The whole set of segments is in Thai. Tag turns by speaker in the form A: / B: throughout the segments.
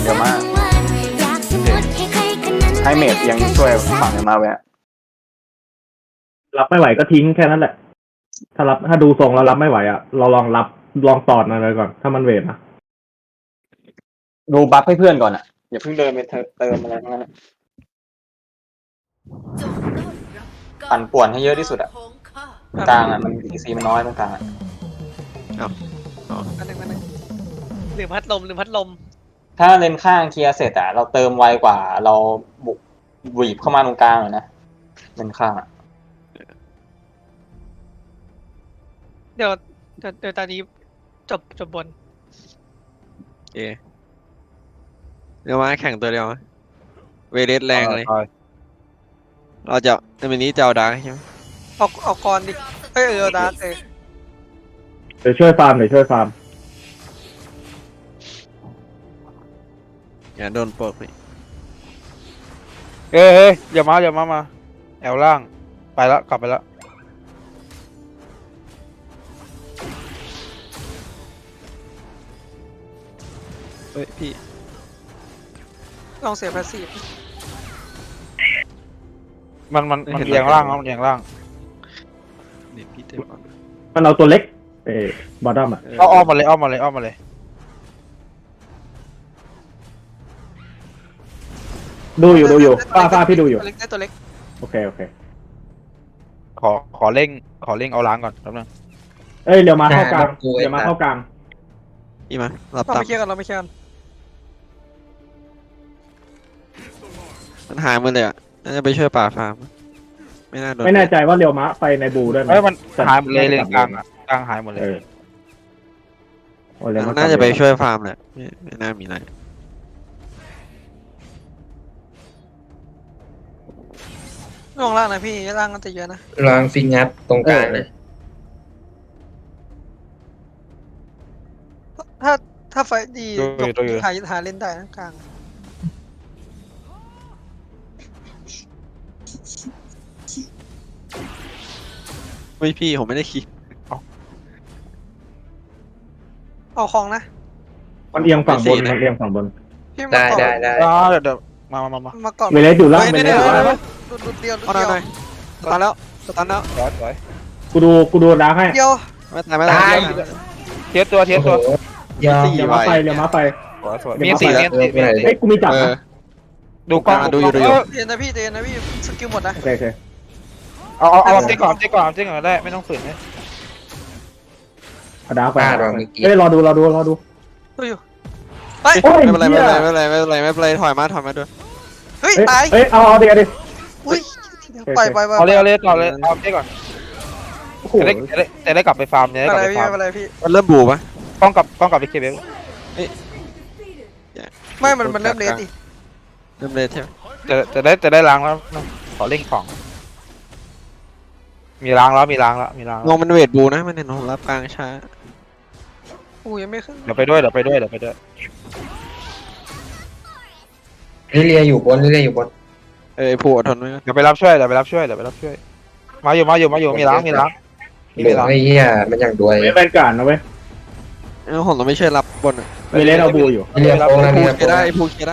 A: ดี๋ยวมาให้เมดยังช่วยฝั่งมาแวะ
B: รับไม่ไหวก็ทิ้งแค่นั้นแหละถ้าดูทรงแล้วรับไม่ไหวอ่ะเราลองตอดมันเลยก่อนถ้ามันเวทนะ
A: ดูบัฟให้เพื่อนก่อนอ่ะอย่าเพิ่งเดินไปเติมอะไรทั้งนั้นปั่นป่วนให้เยอะที่สุดอ่ะกลางอ่ะมันซีมันน้อยตรงกลางอ่ะ
C: อันนึงลืมพัดลม
A: ถ้าเลนข้างเคลียร์เสร็จอ่ะเราเติมไวกว่าเราบุกบีบเข้ามาตรงกลางเลยนะเลนข้างอ่ะ
C: เดี๋ยวตอนนี้จบบน
D: โอเคเดี๋ยวมาแข่งตัวเดียวเวเลสแรงเลยเราจะในวันนี้จะเอาดาร์กใช่ไหม
C: เอากรดิเอาดาร์ก
B: เดี๋ยวช่วยฟาร์ม
D: อย่าโดนปกนี่
E: เฮ้ยอย่ามาแอลล่างไปแล้วกลับไปแล้ว
D: เฮ้ยพี่
C: ลองเสียภาษี
E: มันเอียงล่างมันเอียงล่าง
D: นี่พี่เต็มก่อน
B: มันเอาตัวเล็กบอทดอมอ่ะ
E: อ้อมมาเลย
B: ดูอยู่ฟ้าพี่ดูอยู่
C: ตัวเล็ก
B: โอเค
E: ขอเร่งเอาล้างก่อนแป๊บนึง
B: เดี๋ยวมาเข้ากลาง
D: พี่มารับ
C: เรา
D: ตาม
C: ไม่เคลียร์กัน
D: มันหายหมดเลยอ่ะน่าจะไปช่วยป่าฟาร์มไม่น่าโดน
B: ไม่แน่ใจว่าเรียวมะไปในบูด้วยไหม
E: มันหายหมดเลยเลนกลางหายหมดเลย
D: น่าจะไปช่วยฟาร์มแหละไม่น่ามีอะไร
C: ลงล่างนะพี่ล่างก็จะเยอะนะ
F: ลองฟิงับตรงกลางเลย
C: ถ้าไฟดีหาเล่นได้นะกลาง
D: ไม่พี่ผมไม่ได้คิด
C: เอาของนะ
B: มันเอียงฝั่งบน
C: พี่
F: ได้
E: เดี๋ยว
C: มาก่อน
B: เวเลสอยู่ล่าง
C: ดุเดียว
D: เอาหน่อยสตาร์แล้ว
E: สวย
B: กูดูดาร์กให้
C: เดียว
D: ไม่ตาย
E: เทียบตัว
F: ยอม
B: เรียวมะไป
E: สวยมี4
B: กูมีจับนะ
E: ดูกล้อง
D: ดูอยู่
C: เตียนนะพี่สกิลหมดนะ
B: โอเค
E: เอาเจ๊ก่อนได้ไม่ต้องฝืนเลย
B: ดาร์กไปรอดู
C: ดูอยู่
D: ไม่เป็นไรถอยมาด้วย
C: เฮ้ยตาย
B: เอาดิ
C: อุ้ยปล่อย
E: เอาเลยต่อเลยเอาเจ๊ก่อนจะได้กลับไปฟาร์มเนี่ย
C: อะไรพี่
D: มันเริ่มบูป่ะ
E: กล้องกลับไปเคเบิล
C: ไม่มันเริ่มเลสดิ
D: เริ่มเลสใช่ไหม
E: จะได้ล้างแล้วขอเร่งของมีล้างแล้ว
D: งงมันเวทบูนะมันเห็นผมรับกลางช้า
C: ยังไม่ขึ้น
E: เดี๋ยวไปด้วย
F: ลิเลียอยู่บน
D: ผู้อดทนไว้
E: เดี๋ยวไปรับช่วยมาอยู่มีล้าง
F: ไอ้เหี้ยมันอย่างด้วย
B: ไม่เป็นการนะเว้ย
D: ผมต้องไม่ช่วยรับบน
B: เวเลสเอาบูอยู่
F: ลิเลียโป๊กแล้ว
D: ผู้เคได้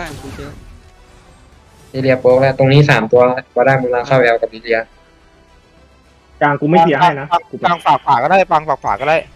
F: ลิเลียโป๊กแล้วตรงนี้3ตัวก็ได้มึงลาเข้าแอลกับลิเลีย
B: กลางกูไม่เคลียร์ให้นะ
E: กลางฝากฝาก็ได้ปังฝากก็ได้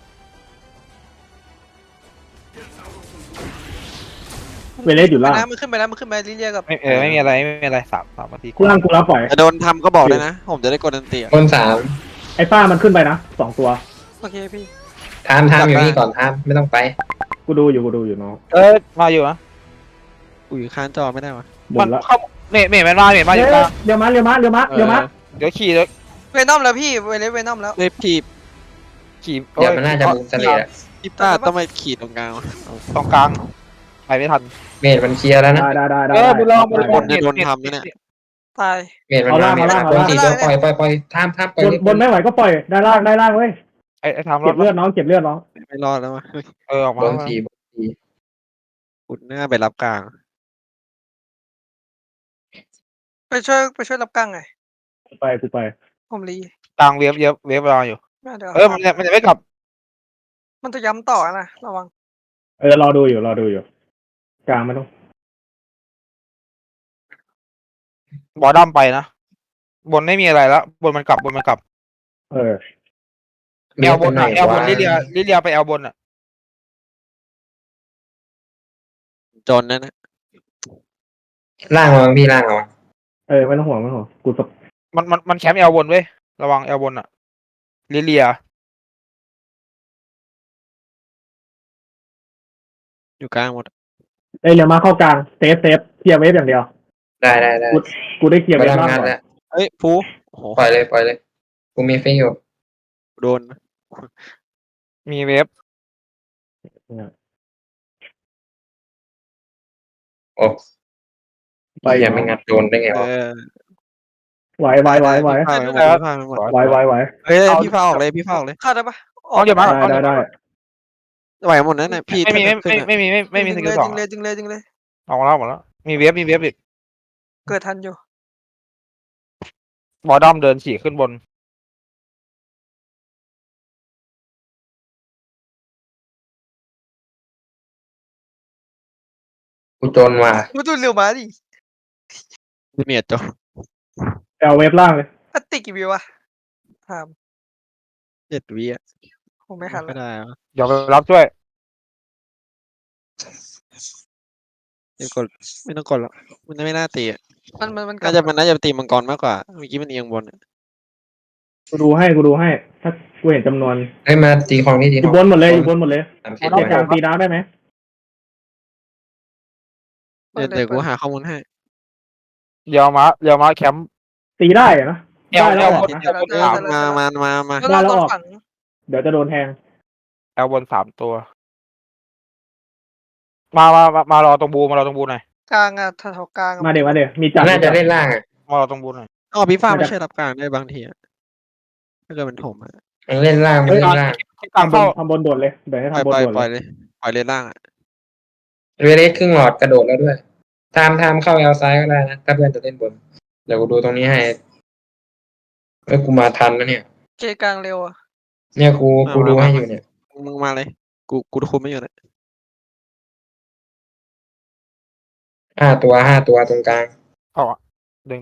B: เวเลสอยู่ล่าง
C: มันขึ้นไปลิเลียกับ
E: ไม่มีอะไร3 นาที
B: กูล่างกูรับปล่อย
D: โดนทำก็บอกเลยนะผมจะได้กดดันเตีย
F: คน
B: ไอ้ฟ้ามันขึ้นไปนะ2ตัว
C: โอเคพี่
F: ทามอยู่นี่ก่อนทามไม่ต้องไป
B: กูดูอยู่น้อง
E: มาอยู่นะ
D: อยู่ข้างจอไม่ได้วะ
E: มันเข้าเมย์มันมาอยู่
B: เดี๋ยวมาเ
E: ดี๋ยวขี่เลย
C: เวนอมแล้วพี่เวนอมแล้ว
D: เลยขี่
F: เดี๋ยวมันน่าจะมุมเสลีย
D: พี่ต้าต้องไปขี่ตรงกลาง
E: ไปไม่ทัน
F: เมดมันเคลียร์แล้วนะ
B: ได้
E: บุญร
D: บนโดนทำเนี่ย
C: ตาย
F: เมดมันคน4ตัวปล่อยทามปล่อย
B: บนไม่ไหวก็ปล่อยได้ล่างเว้ย
E: ไอ้ทำ
B: เก็บเลือดน้อง
D: ไม่รอดแล้ววะ
E: ออกมา
F: บน
D: อุดหน้าไปรับกลาง
C: ไปช่วยรับกลางไง
B: กูไป
C: ผมรี
E: กลางเวฟรออยู่มันจะไม่กลับ
C: มันจะย้ำต่อนะระวัง
B: รอดูอยู่กลางไม่ต้อง
E: บอดัมไปนะบนไม่มีอะไรแล้วบนมันกลับ
B: เออ
E: แอลบนอะแอลบนลิเลียไปแอลบนอะ
D: จนนั่นนะ
F: ล่างระวังพี่ล่างระวัง
B: เออไม่ต้องห่วงกูส
E: มันแคมป์แอลบนเว้ยระวังแอลบนอะลิเลีย
D: อยู่กลางหมด
B: เอ้ยเดี๋ยวมาเข้ากลางเซฟเคลียร์เวฟอย่างเดียว
F: ได้
B: กูได้เคลียร์
F: บอ
B: เว
F: ดั
B: ฟ
F: ม
B: ล่าง
F: งาน
B: ก่อน
F: แล้ว
D: เฮ้ยฟูโอ้โห
F: ปล่อยเลยกูมีฟิกอยู่
D: โดน
E: มีเวฟ
F: โอ้
B: ไป
F: อย่าไม่งัดโดนได้ไง
D: เอ
F: วะ
D: อ
B: ไหว
D: พี่พาไปหมดพี่พาไปหมด
B: ไหว
D: เฮ้ยพี่พาออกเลยพี่พาออกเลย
C: เข้าได้ปะ
E: เอาเดี๋ยวมา
B: ได้
D: ไหวหมดนั่นน่ะพี่
E: ไม่มีสกิลสอง
C: จริงเลย
E: ออกมาแล้วหมดแล้วมีเวฟอีก
C: เกิดทันอยู่
E: บอดัมเดินฉี่ขึ้นบน
F: กูจนว่ะ
C: กูดูเร็วมาดิ
D: เมียจบ
B: เอาเวฟล่างเลย
C: อัตติกี่วิวอะถาม
D: 7 วิอ่ะ
C: คงไม่ทัน
D: ก็
C: ละ
D: ได้
E: เดี๋ยวไปรับช่วย
D: ไม่กดไม่ต้องกดหรอกมันไม่น่าตีอ่ะ
C: มันกลั
D: น่าจะตีมังกรมากกว่าเมื่อกี้มันเอียงบน
B: กูดูให้ถ้ากูเห็นจำนวน
F: ให้มาตีของนี่ตี
B: อ
F: ข
B: ยู่
F: อง
B: บนหมดเลยอยู่บนหมดเลย
F: 30
B: เรียกกลางตีน้ำได้ไหม
D: เดี๋ยวกูหาข้อมูลให้
E: เดี๋ยวมาแคมป์
B: ตีได้อะนะ
E: แอล
B: ได้แล้ว
E: บน
B: นะ
D: มา
C: แล้วเราต้องฝัง
B: เดี๋ยวจะโดนแทง
E: แอลบน3 ตัว มารอตรงบูหน่อย
C: กลางอะแถวกลาง
B: มาเดี๋ยวมีจัด
F: น่าจะเล่นล่างอ่ะ
E: มารอตรงบูหน่อย
D: อ๋อพี่ฟ้าไม่ใช่รับกลางได้บางทีอ่ะถ้าเกิดมันถมอ่ะ
F: มันเล่นล่าง
E: กลางเข้า
B: ทำบนโดดเลยเดี๋ยวให้
D: ปล่อย
B: ทำบน
D: ปล่อย
B: โดด
D: ปล่อย
B: เลย
D: เลยปล่อยเลยล่างอ่ะ
F: เวเลสครึ่งหลอดกระโดดแล้วด้วยทามเข้าแอลซ้ายก็ได้นะถ้าเพื่อนจะเล่นบนเดี๋ยวกูดูตรงนี้ให้กูมาทันนะเนี่ย
C: เจกลางเร็วอะ
F: เนี่ยกูดูให้อยู่เนี่ย
D: มึงมาเลยกูคุมไม่อยู่นะ
F: 5 ตัวตรงกลาง
E: เอาอะดึง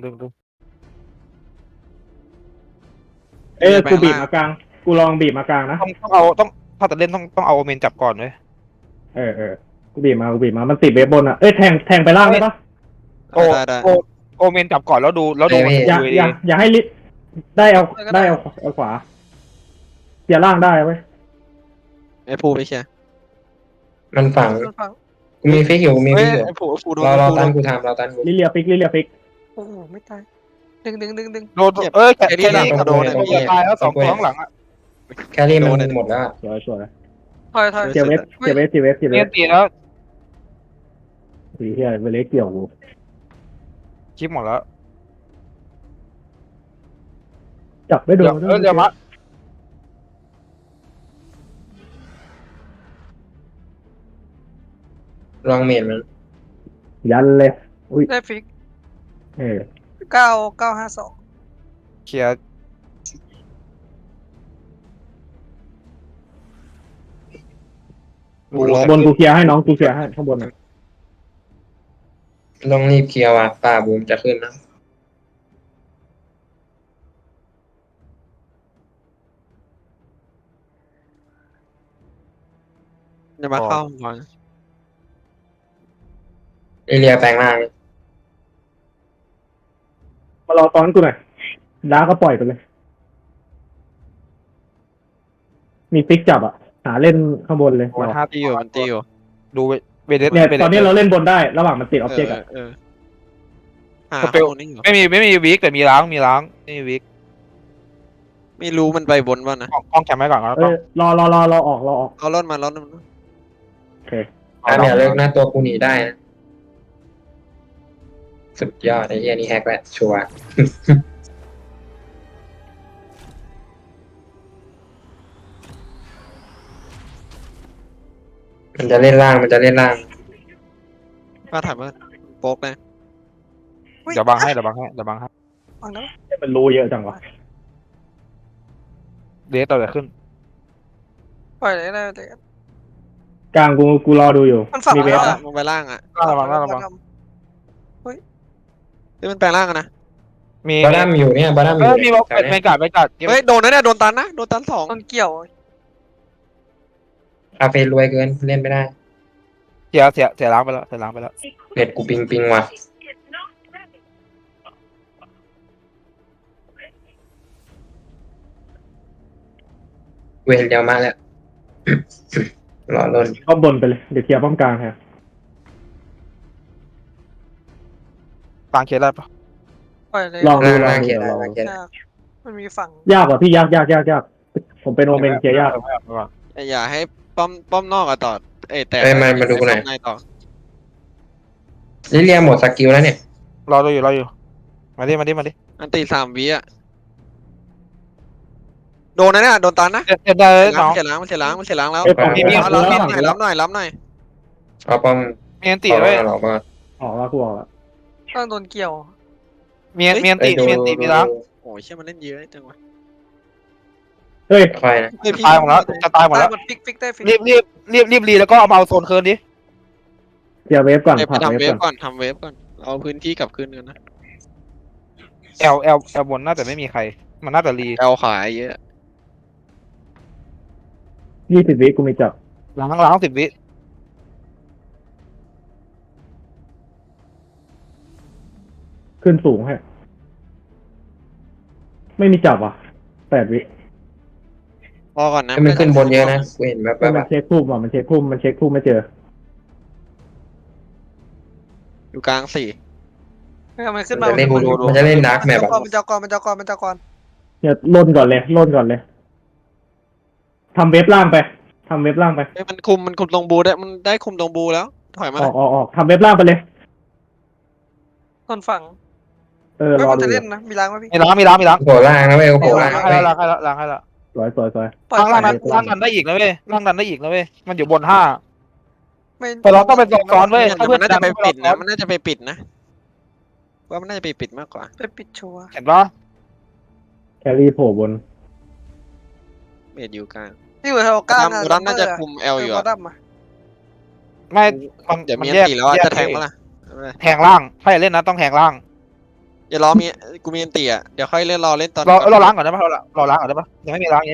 B: เอ้ยกูบีบมากลางกูลองบีบมากลางนะ
E: ต้องถ้าจะเล่นต้องเอาโอเมนจับก่อนเลย
B: เออกูบีบมามันติดเวฟบนอ่ะเอ้ยแทงไปล่างได้ปะ
D: ได้
E: โอเมนจับก่อนแล้วดูมัน
B: อย่าให้ลิได้เอาขวาอย่าล่างได้เว้ย
D: ไอ้ภูไปเชียร์
F: มันฝัง
C: มันฝัง
F: กูมีฟิกอยู่
D: เฮ้ยไอ้ภูโดน
F: เรา
D: ภูโด
F: ตัน
D: น
F: กูทำเราตันกู
B: ลิเลียฟิก
C: โอ้โหไม่ตายดึง
E: โดนแค่นี้ตายแล้ว2 ตัวข้างหลังอะ
F: แครี่มันหมดแล้ว
B: สวย
C: ถอย
B: เจียวเวฟ
E: เนี่ยตีแล้ว
B: สีเฮียเวเลสเกี่ยวกู
E: คลิปหมดแล้ว
B: จับไม่โดน
E: เดี๋ยวมา
F: ลองเมนมัน
B: ยันเลยอุ้ย
C: ได้ฟิก
B: เออ
C: 952
E: เคลียร์
B: บนกูเคลียร์ให้น้องกูเคลียร์ให้ข้างบน
F: ต้องรีบเคลียร์ว่ะป่าบูมจะขึ้นนะ
D: จะมาเข้าก่อน
F: เอเรียแปลงร่าง
B: มารอตอนกูหน่อยดาก็ปล่อยไปเลย มีฟิกจับอ่ะหาเล่นข้างบนเลย
E: มัน5
D: ตีอยู่มันตีอยู่
E: ดูเวเดส
B: เนี่ยตอนนี้เราเล่นบนได้ระหว่างมันติดออบเจกต์อ่ะ
D: หาข้อมูลนี่อยู่
E: ไม่มีวิกแต่มีล้างไม่มีวิก
D: ไม่รู้มันไปบนป่ะนะ
E: กล้องแคมไว้ก่อนแล้ว
B: เออรอออก
D: เอาล้นมาล้น
B: โอเค
F: เนี่ยเลิกนะตัวกูหนีได้นะสุดยอดไอ้เหี้ยนี่แฮกแหละชัวร์ มันจะเล่นล่าง
D: ป้าถามว่าโป๊กนะ
E: เดี๋ยวบังให้
C: ฟังแล้ว
B: มันรู้เยอะจังวะ
E: เดสต่อจะขึ้น
C: ปล่อยเลยนะเด็ก
B: กลางกูรอดูอยู่
C: มันฝัง
B: มีเว
C: แล้
B: ฟ
C: ว
B: อะ
D: มึงไปล่างอ่ะ
E: ระวัง
D: เฮ้ยมันแปลงร่างกันนะ
E: มี
F: บาดัมอยู่เนี่ยบาดัมอ
E: เอยู่ อมี
F: เนี่ย
E: บอก
F: แถว
E: ไม่
F: เนี้ย
E: กัดไม่กัด
D: เฮ้ยโดนนะเนี่ยโดนตันนะโดนตันสอง
C: ต้นเกี่ยว
F: อาเฟรวยเกินเล่นไม่ได้
E: เสียล้างไปแล้วเสียล้างไปแล้ว
F: เน็ตกูปิงว่ะเวรยาวมาแล้ว รอล้น
B: ป้อมบนไปเลยเดี๋ยวเคลียร์ป้อมกลางฮะ
E: กลางเคลียร์ได้ปะ
C: ปล่อยเลย
B: ลองดูลอง
F: ล่าง
B: ดู
F: เขียน
B: ลอง
F: ล่าง
B: ดู
F: เขียน
C: ยากมันมีฝั่ง
B: ยากกว่าพี่ยากผมเป็นโอเมนเคลียร์ยาก
D: อย่าให้ป้อมนอกอะต่อแต่
F: เอ้ยมาดูกูหน่อย
D: ในต่อ
F: ลิเลียหมดสกิลแล้วเนี่ย
E: รออยู่มาดิ
D: อันตี3 วิอะโดนนะเนี่ยโดนตันนะ
E: เจ็บได้เลยน้อง
D: มันเสียล้างแล้ว
B: เอ้ยผม
F: มี
D: เอารับหน่อยรับหน่อย
F: เอาป้อม
E: มีอันตี
F: ต่อ
E: ด้วย
F: หรอกว่า
B: ออกแล้วกูออกแล้ว
C: ต้องโดนเกี่ยว
E: มีอันตีมีล้าง
D: โอ้ยเชื่อมันเล่นเยอะจังวะ
B: เฮ้ย
F: ค่อยนะ
D: เฮ้ยพี่
E: ตายหมดแล้วจะตายหมด
C: ได้
E: แล้ว
C: หมดฟิกได้ฟิก
E: รีบรีแล้วก็เอามาเอาโซนคืนดิ
B: เคลียร์เวฟก่อน
D: ไป
B: ผัด
D: ทำ
B: เว
D: เว
B: ฟ
D: ฟ
B: ก่อน
D: ก่อนทำเวฟก่อนเอาพื้นที่กลับคืนกันนะ
E: แอลบนน่าจะไม่มีใคร มันน่าจะรี
D: เอาขายเยอะ
B: 20 วิกูมีจับ
E: ล้าง10 วิ
B: ขึ้นสูงให้ไม่มีจับอ่ะ8 วิ
D: พอก่อนนะ
F: ให้มันขึ้นบนเยอะนะกูเห็นแบบ
B: ก็มันเช็คพุ่มอ่ะมันเช็คพุ่มไม่เจอ
D: อยู่กลาง4
C: ไม่เอามันขึ้น
F: มั
C: มาน
F: จะเล่นมันจะเล่นดาร์กแมปแบบ
C: มันจะก่อน
B: เนี่ยล่นก่อนเลยทำเวฟล่างไป
D: เฮ้ยมันคุมตรงบูได้มันได้คุมตรงบูแล้วถอยมา
B: ออกทำเวฟล่างไปเลย
C: ต้นฝั่ง
B: ร
C: ไม่
B: อ
C: มัน
B: ดู
C: จะเล่นนะมีล้างไหมพี่
E: มีล้าง
F: โผล่ล่างนะเว้ยโผล่ล่าง
E: ให้แล้วล้างให้แล้ว
B: สวย
C: ปล่อย
E: ล่างดันได้อีกนะเว้ยมันอยู่บน5
C: ไม่
E: แต่เราต้องเป็นซ้อนเว้ย
D: มันน่าจะไปปิดนะมันน่าจะไปปิดนะว่ามันน่าจะไปปิดมากกว่า
C: ไปปิดชัวร์
E: เห็นปะ
B: แครี่โผล่บน
D: เมดอยู่กลาง
C: นี่เหมือนเราก้าง
D: รัมน่าจะคุมเอลอยู่
C: บอ
D: อะ
C: ดัมอ่ะ
E: ไม่
D: เดี๋ยวมี
E: น
D: อันตีแล้วอะจะแทงปะล่ะ
E: แทงล่างถ้าจะเล่นนะต้องแทงล่าง
D: อย่ารอมีกูมีอันตีอะเดี๋ยวค่อยเล่นรอเล่นตอน
E: เราล้างก่อนได้ปะเราล้างก่อนได้ปะยังไม่มีล้าง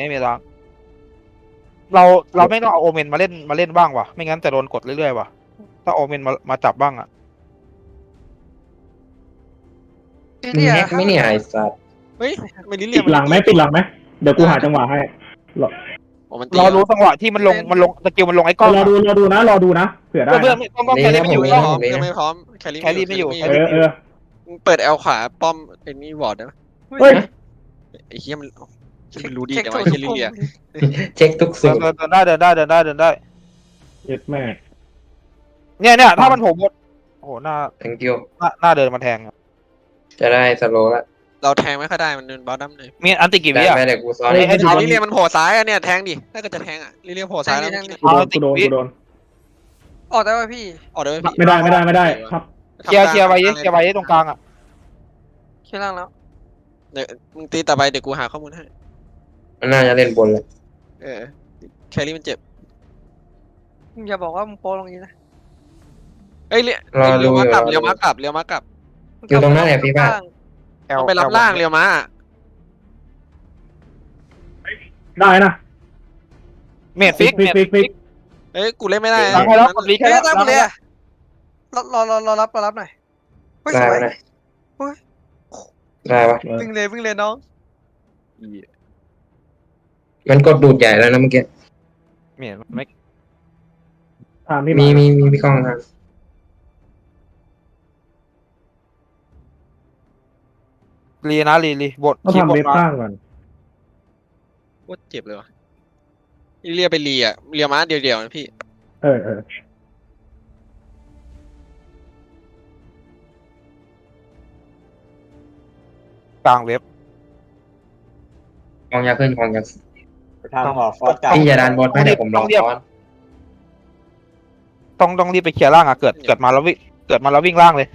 E: เราไม่ต้องเอาโอเมนมาเล่นบ้างวะไม่งั้นจะโดนกดเรื่อยๆวะถ้าโอเมนมาจับบ้างอะ
F: มึงแฮกไม่เนี่ยไอ้สัตว์
D: เฮ้ยไม่ลิ
B: ปิ
D: เลีย
B: ดหลังไหมเดี๋ยวกูหาจังหวะให้
D: มันตี
E: เรารู้จังหวะที่มันลงสกิลมันลงไอ้กล้อง
B: รอดูนะเผื่อได้
E: เพื่อนต้องแครี่ไม่อยู่
D: ไม่
E: ต้อง
D: พร้อมยังไม่พร้อมแครี่ไม่อยู่ เปิดเอลขวาป้อมเป็นนี่วอร์ดได้ไหม
B: เฮ้ย
D: ไอ้เหี้ยมันรู้ดีแต่ว่าแครี่เลีย
F: เช็คทุกสูตร
E: เดินได้
B: เย็ดแม่
E: เนี่ยถ้ามันโผล่หมดโอ้โหหน้า
F: thank you
E: เดินมาแทง
F: จะได้สโลว์ละ
D: เราแทงไม่ค่อยได้มันเดินบอลดัมเลย
E: มีอันติกี่วิ
F: ได้
E: อะ
F: ไหมเดี๋ยวกูซ้อน
E: เฮ้ย
F: ให้
D: ลิเลียมันโผล่ซ้ายอะเนี่ยแทงดิถ้าเกิดจะแทงอะลิเลียโผล่ซ้ายแล้ว
B: กูโดน
C: ออกได้ป่ะพี่
D: ออกได้ไหมพี่
B: ไม่ได้ครับ
E: เคลียร์ไว้ตรงกลางอะ
C: เชื่อล่างแล้ว
D: เดี๋ยวมึงตีต่อไปเดี๋ยวกูหาข้อมูลให้
F: มันน่าจะเล่นบนเลย
D: แครี่มันเจ็บ
C: มึงอย่าบอกว่ามึงโปรลงนี้นะ
D: เอ้ยเลี้ยวมากลับ
F: อยู่ตรงนั้นแหละพี่ป้า
D: ต้องไปรับล่างเลี้ยวมา
B: ได้นะ
E: เมดฟิก
D: เอ้ยกูเล่นไม่ได้
E: ล้างให้แล้วกดลิ
C: เฮ้ย
E: แค่
C: ตั้งไปเลยอะรอรับหน่อยเฮ้ย
F: ได้
C: สวย
F: ปะเนี่ยได้ปะ
C: วิ่งเลยน้อง
F: มันกดดูดใหญ่แล้วนะเมื่อกี้
E: เมดไม่
B: ตามที่
F: มีพี่กล้องครับ
E: รีนะรีบท
B: ต้องทำเวฟข้างก่อน
D: โคตรเจ็บเลยวะเลียไปเลียมาเดียวนะพี่
E: กลางเว็บ
F: กองยาขึ้นกองยา
A: ทางหอฟอสกลับ
F: พี่จะดันบอลไหมเดี๋ยวผมรอซ้อน
E: ต้องรีบไปเคลียร์ล่างอะเกิดมาแล้ววิ่งล่างเลย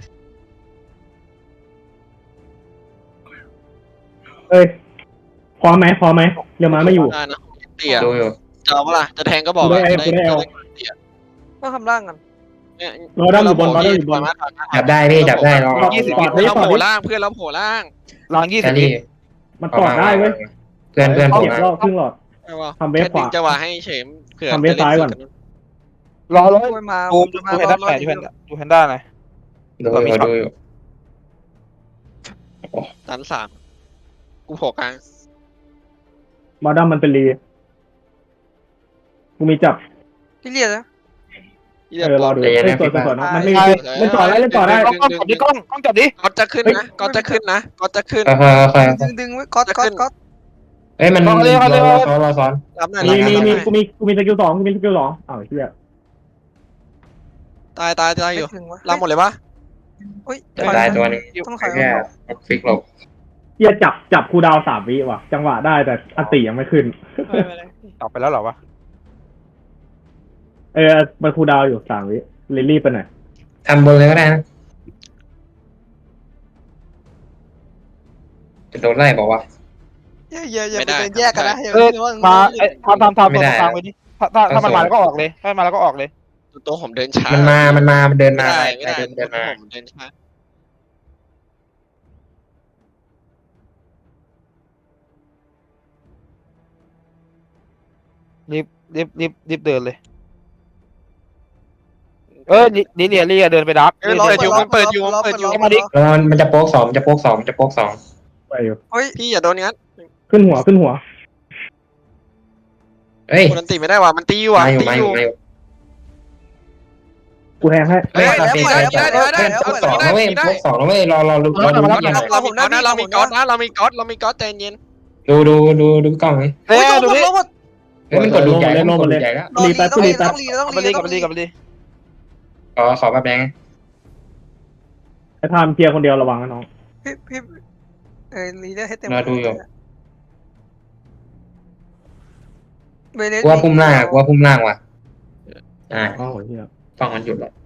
B: พร้อมไหมเดี๋ยวมาไม่อยู่
D: ได้นะเตี่ย
F: ดูอยู่
D: จะเอาเปล่าจะแทงก็บอก
B: กูได้
D: เ
B: เอา
C: ต้องทำล่างกัน
D: เนี่ย
B: บอลดัมอยู่บนบอลดัมอยู่บน
F: จับได้พี่จับได้ลอง
B: ปอด
D: เพื่อนเรา
B: ปอด
D: โผล่ล่างเพื่อนเราโผล่ล่าง
E: หลังยี่
F: แค
E: สิบ
F: รี่
B: มันปอดได้เว้ย
F: เพื่อนผม
B: เก็บรอบครึ่งหลอด
D: ใช่ป่ะ
B: ทำเวฟ
D: แค่ดึง
B: ขวา
D: จังหวะให้เฉมเผื่อ
B: ทำเวฟซ้ายก่อน
E: รอเลย
C: โอ้ยมา
E: ดู
C: มา
E: แพนด้าหน่อยดูแพนด้าหน่อย
F: ดูอยู่ดูอยู่
D: ตันสามกูโผล่กลาง
B: บอลดัมมันเป็นรีกูมีจับ
C: พี่เรียกนะ
B: รอดูเล่นสวนๆมันไม่มีเล่นต่อได้เล่นต่อได้
E: กล้องจับดิกล้องจับดิ
D: ก๊อตจะขึ้นนะก๊อตจะขึ้นนะก๊อตจะขึ้น
F: ค่อย
C: ดึงไว้ก๊อตก๊อตก๊อต
F: เอ้ยมันรอซ้อน
D: รับหน่อย
B: มีกูมีสกิล2กูมีสกิล2อ้าวเหี้ย
D: ตายอยู่
C: ถึงวะ
D: รับหมดเลยปะ
C: อุ้ย
F: ได้ตัวนึง
C: ต้องถอย
F: แค่ฟิกหลบ
B: เหี้ยจับคูดาว3 วิว่ะจังหวะได้แต่อันติยังไม่ขึ้น
E: ออกไปแล้วเหรอวะ
B: มันคูดาวอยู่3 วิลิลลี่ไปไหน
F: ทำบนเลยก็ได้นะจะโดนไล่บอกว่า
C: อย่าไปแยกกันนะ
E: มาทำตรงกลางไปดิถ้ามันมาแล้วก็ออกเลยถ้ามันมาแล้วก็ออกเลย
D: ตัวผมเดินช้า
F: มันเดิน
D: ไม่
F: มา
D: ได้
F: ไปเดินมา
D: ผมเดินช้า
E: รีบเดินเลยลิเลียเดินไปดัก
D: เปิดอยู่
E: มาดิ
F: แล้วมันจะโป๊ก2จะโป๊ก2
B: ไปอยู่
C: เฮ้ย
D: พี่อย่าโดนงั้น
B: ขึ้นหัว
F: เฮ้ย
D: คนตีไม่ได้ว่ะมันตีอยู่ว่ะ
F: มาอยู่
B: กูแทงให้
F: เฮ้ยโป๊ก2นะเว้ยโป๊ก2นะเว้ยรอดูนี่หน่อย
D: เรามีก๊อตนะเรามีก๊อตใจเย็น
F: ดูกล้องนี่
E: เฮ้ยดูดิ
F: เฮ้ยมันกดดูใหญ่แล้วกดดูใหญ่แล้ว
B: รีแป๊บ
C: ต้อง
B: รี
C: รี
B: แป๊บ
C: ต้องรี
E: กลับมาดิ
F: ขอแบบแดง
B: ไอ้ทามเคลียร์คนเดียวระวังนะน้อง
C: พี่รีได้ให้เต็ม
F: รอดูอยู่
C: เวเลส
F: กูว่าพุ่มล่างว่ะ
B: อ้าวเหี้ย
F: กล้องมันหยุดแล้ว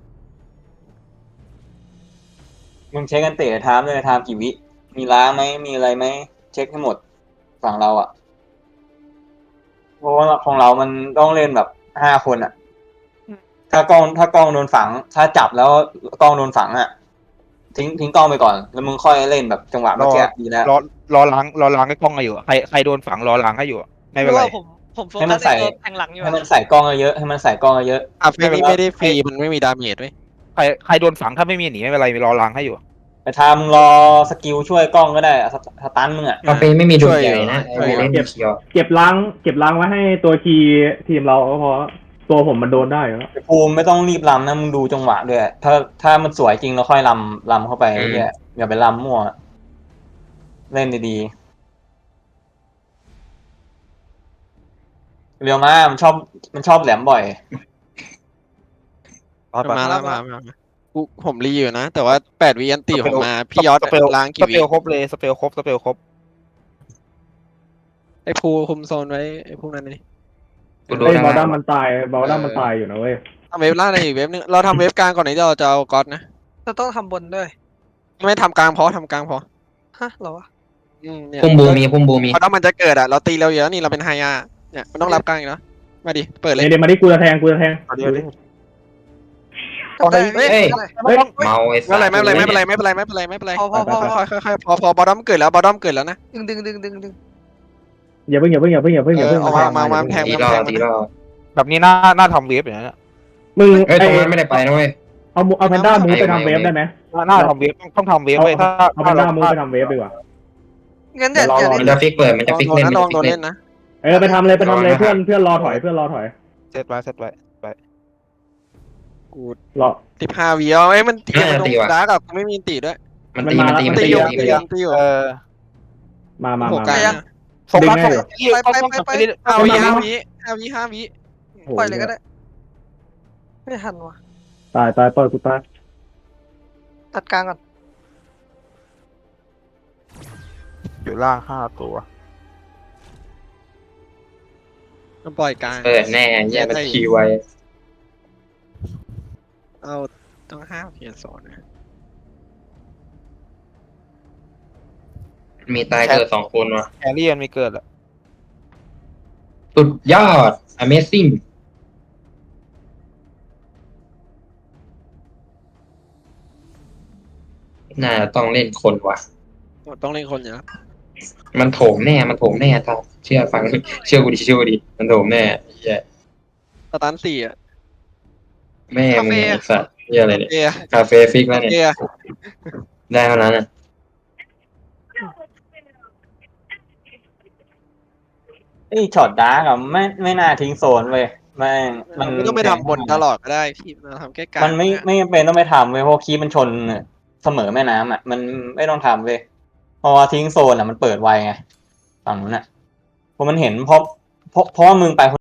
A: มึงเช็คกันเตะไทม์เลยไทม์กี่วิมีล้างไหมมีอะไรไหมเช็คให้หมดฝั่งเราอ่ะเพราะว่าของเรามันต้องเล่นแบบ5 คนอ่ะถ้ากล้องโดนฝังถ้าจับแล้วกล้องโดนฝังอ่ะทิ้งกล้องไปก่อนแล้วมึงค่อยเล่นแบบจังหวะเมื่อกี้ดีแล้ว
E: รอล้างให้กล้องอยู่ใครโดนฝังรอล้างให้อยู่ไม่เป็นไร
C: ผมโฟกัสในตัวแทงหลังอยู่
A: ให้มันใส่กล้องเยอะให้มันใส่กล้องเยอะ
D: อ่ะเฟนี่ไม่ได้ฟรีมันไม่มีดาเมจด้วย
E: ใครโดนฝังถ้าไม่มีหนีไม่เป็นไรรอล้างให้อยู่
A: ไปทำรอสกิลช่วยกล้องก็ได้สตันมึงอ่ะ
F: กาแฟไม่มีดูใหญ่นะไอ้เล่นเขียว
B: เก็บล้างไว้ให้ตัวทีมเราก็พอตัวผมมันโดนได้แล้ว
A: ภูมิไม่ต้องรีบลำนะมึงดูจังหวะด้วยถ้ามันสวยจริงเราค่อยลำเข้าไปเนี่ยอย่าไปลำมั่วเล่นดีๆเรียวมามันชอบแหลมบ่อย
D: มาแล้วผมรีอยู่นะแต่ว่า8 วิอันตีผมมาพี่ยอดล้างกี่
E: ส
D: วิ
E: เปลครบเลยสเปลครบ
D: ไอ้ภูคุมโซนไว้ไอ้พวกนั้นนี่
F: กูดู
B: เฮ้ย
F: ทาง
B: บอลดั
F: ล่าง
B: มมันตายอยู่นะเว้ย
D: ทำเวฟล่างในอีกเวฟนึงเราทำเวฟกลางก่อนนี้เราจะเอาก๊อตนะ
C: เราต้องทำบนด้วย
D: ไม่ทำกลางพอทำกลางพอ
C: ฮะเหรอวะ
F: พุ่มบูมี
D: เพราะถ้ามันจะเกิดอ่ะเราตีเราเยอะนี่เราเป็นไฮยาเนี่ยมันต้องรับกลางอีกแล้วมาดิเปิดเลย
B: เดี๋ยวมาที่กูจะแทง
E: เดี๋ยว
F: เฮ้ยเมาไอ้สัตว์
D: ไม่เป็นไรพอบอดอมเกิดแล้วนะ
C: ดึง
B: อย่าเพิ่ง
D: มาแทง
F: ตีรอ
E: แบบนี้น่าทำเวฟอย่างนี้
B: มึง
F: เฮ้ยตรงนั้นไม่ได้ไปนะเว้ย
B: เอาแพนด้ามูฟไปทำเวฟได้ไหม
E: น่าทำเวฟต้องทำเวฟไว้ถ้า
B: เอาแพนด้ามูฟไปทำเวฟดีกว่า
C: งั้นเดี๋ยว
F: มันจะฟิกเปิดมันจะฟิกเล่น
D: ลองโดนเล่นนะ
B: ไปทำเลยเพื่อนรอถอย
E: เซตไว้
D: กู
B: รอ
D: 15 วิเอาไอ้มันตีมันโดนดาร์กกูไม่มีตีด้วย
F: มันตี
D: ตีอยู่
B: มา
D: โหกลาง
E: ส่งมา5
D: วิ
C: ปล่อยเลยก็ได้ไม่ทันวะ
B: ตายปล่อยกูตาย
C: ตัดกลางก่อน
E: อยู่ล่าง5 ตัว
D: มันปล่อยกลาง
F: เปิดแน่แย่มันคีไว้
D: เอาต้อง5 เพียนสอนนะ
F: มีตายเกิด2 คนว่ะ
E: แครี่มันมีเกิดอะ
F: สุดยอด Amazing น่าจะต้องเล่นคนว่ะ
D: ต้องเล่นคนอยู่นะ
F: มันโถมแน่ครับเชื่อฟัง เชื่อกูดิมันโถมแน่เหี้ย
D: สตัน4อ่ะ
F: แม่มึงไอ้สัตว์เหี้ยอะไรเนี่ย
D: เอะ
F: คาเฟ่ฟิกแล้วเนี่ย
D: เอะ
F: ได้เท่านั้นอ่ะ
A: ช็อตดาร์กอะไม่น่าทิ้งโซนเว้ยแม่งมัน
D: ไม่ต้องไปทำบนตลอดก็ได้พี่เราทำแค่กลาง
A: มันไม่จำเป็นต้องไปทำเว้ยเพราะคีย์มันชนเสมอแม่น้ำอ่ะมันไม่ต้องทำเว้ยเพราะว่าทิ้งโซนอ่ะมันเปิดไวไงฝั่งนู้นอ่ะเพราะมันเห็นเพราะว่ามึงไป